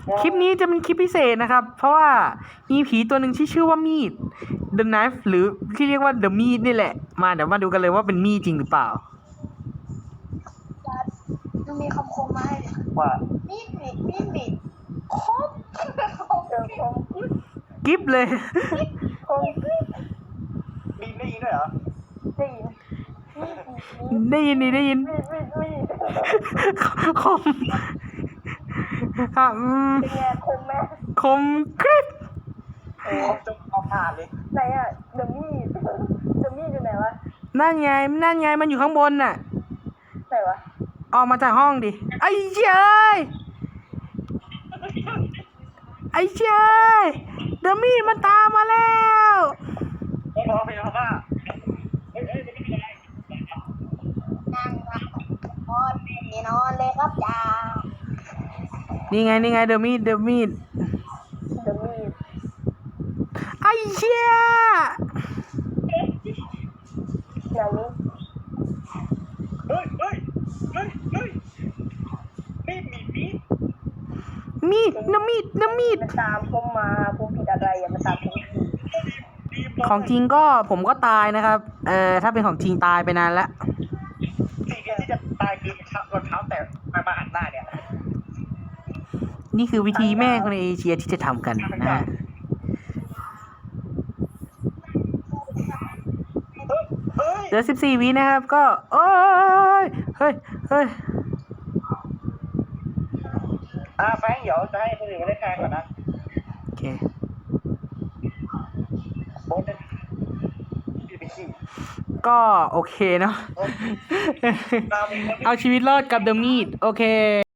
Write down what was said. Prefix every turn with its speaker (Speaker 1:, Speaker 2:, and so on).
Speaker 1: คลิปนี้จะเป็นคลิปพิเศษนะครับ เพราะว่ามีผีตัวหนึ่งที่ชื่อว่ามีด The Knife หรือที่เรียกว่า The Meat นี่แหละมาเดี๋ยวมาดูกันเลยว่าเป็นมีดจริงหรือเปล่า
Speaker 2: มันมีคำคมมาให้เลย
Speaker 3: ว่า
Speaker 2: มีดคมคม
Speaker 1: กิฟเลย
Speaker 2: คม
Speaker 3: บีมได้ยินด้วยเหรอ
Speaker 2: ได้ยิน
Speaker 1: ได้ยิน
Speaker 2: มีด
Speaker 1: คมอ่ะ
Speaker 2: เป็นไงคมไหม
Speaker 1: คมกริบ
Speaker 3: เขาจะเอาผ่านเลย
Speaker 2: ไหนอะเดอะมีดอยู่ไหนวะ
Speaker 1: นั่นไงมันอยู่ข้างบนน่ะ
Speaker 2: ไหนวะ
Speaker 1: ออกมาจากห้องดิ ไอ้เจ้ยเดอะมีดมันตามมาแล้ว
Speaker 3: ไม่พอไม่พอว่าไม่มีอะไร
Speaker 2: นั่งนอนไม่นอนเลยครับจ้า
Speaker 1: นี่ไงเดอะมีด
Speaker 2: เดอะมีด
Speaker 1: ไอ้เชี่ย
Speaker 2: ไหนนี้
Speaker 3: เฮ้ยมีด
Speaker 1: น้ำมีด
Speaker 2: มันตามผมมาผมผิดอะไรอะมันตามผม
Speaker 1: ของจริงก็ผมก็ตายนะครับ ถ้าเป็นของจริงตายไปนานแล้ว
Speaker 3: สิ่งเดียวที่จะตายคือรองเท้าแต่มาหันหน้าเนี่ย
Speaker 1: นี่คือวิธีแม่คนในเอเชียที่จะทำกันนะฮะ
Speaker 3: เฮ้ย
Speaker 1: เหลือ14 วินะครับ ก็เฮ้ย
Speaker 3: แฟงเดี๋ยวจะให้คนอื่นมาได้แทนก่อนนะ
Speaker 1: โอเค
Speaker 3: โบ๊ทเนี่ยไปขี้
Speaker 1: ก็โอเคเนาะ เอาชีวิตรอดกับเดอะมีด โอเค